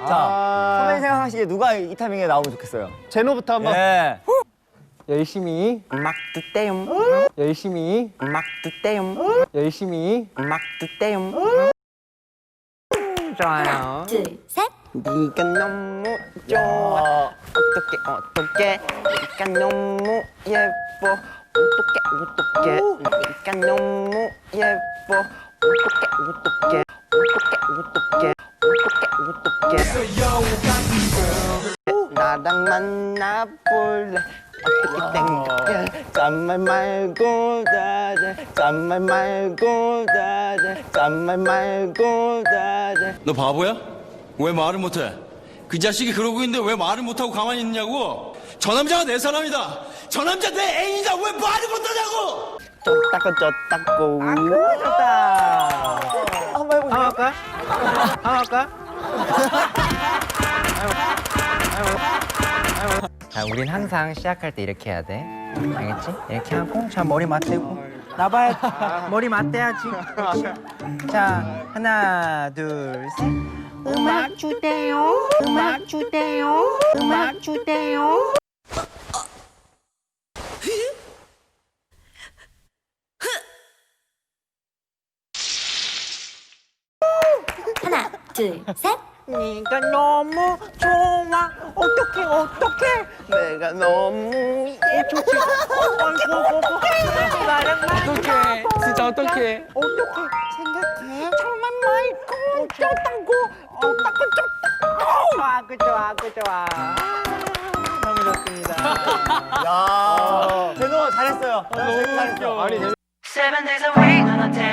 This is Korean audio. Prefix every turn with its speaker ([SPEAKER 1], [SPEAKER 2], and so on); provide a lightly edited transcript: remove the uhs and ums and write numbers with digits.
[SPEAKER 1] 자, 선배님 생각하시기에 누가 이 타이밍에 나오면 좋겠어요?
[SPEAKER 2] 제노부터 한번.
[SPEAKER 1] 네.
[SPEAKER 2] 열심히
[SPEAKER 3] 막 뜨떼용
[SPEAKER 2] 열심히
[SPEAKER 3] 막 뜨떼용
[SPEAKER 2] 열심히
[SPEAKER 3] 막 뜨떼용 좋아요.
[SPEAKER 4] 둘, 셋.
[SPEAKER 3] 네가 너무 좋아. 어떡해 네가 너무 예뻐. 어떡해 네가 너무 예뻐. 어떡해 나랑 만나볼래. 어떻게 생각해? 짠말 말고 다들 짠말 말고 다들 짠말 말고 다들.
[SPEAKER 5] 너 바보야? 왜 말을 못해? 그 자식이 그러고 있는데 왜 말을 못하고 가만히 있냐고? 저 남자가 내 사람이다. 저 남자 내 애인이다. 왜 말을 못하냐고?
[SPEAKER 3] 쫓다고
[SPEAKER 2] 좋다.
[SPEAKER 1] 한번 해보세요.
[SPEAKER 2] 할까? 할까? 자, 우린 항상 시작할 때 이렇게 해야 돼. 알겠지? 이렇게 하고, 자, 머리 맞대고. 나봐야 머리 맞대야지. 그렇지? 자, 하나, 둘, 셋.
[SPEAKER 4] 음악 주세요. 음악 주세요. 음악 주세요. 하나, 둘, 셋.
[SPEAKER 3] 네가 너무 좋아. 어떡해 내가 너무 예뻐.
[SPEAKER 2] 어떡해. 진짜 어떡해.
[SPEAKER 3] 생각해 정말 말고 좋다고. 좋아.
[SPEAKER 2] 너무 좋습니다.
[SPEAKER 1] 야, 제노 잘했어요.
[SPEAKER 2] 너무
[SPEAKER 1] 잘했어.
[SPEAKER 2] 아니,
[SPEAKER 6] Seven days a week,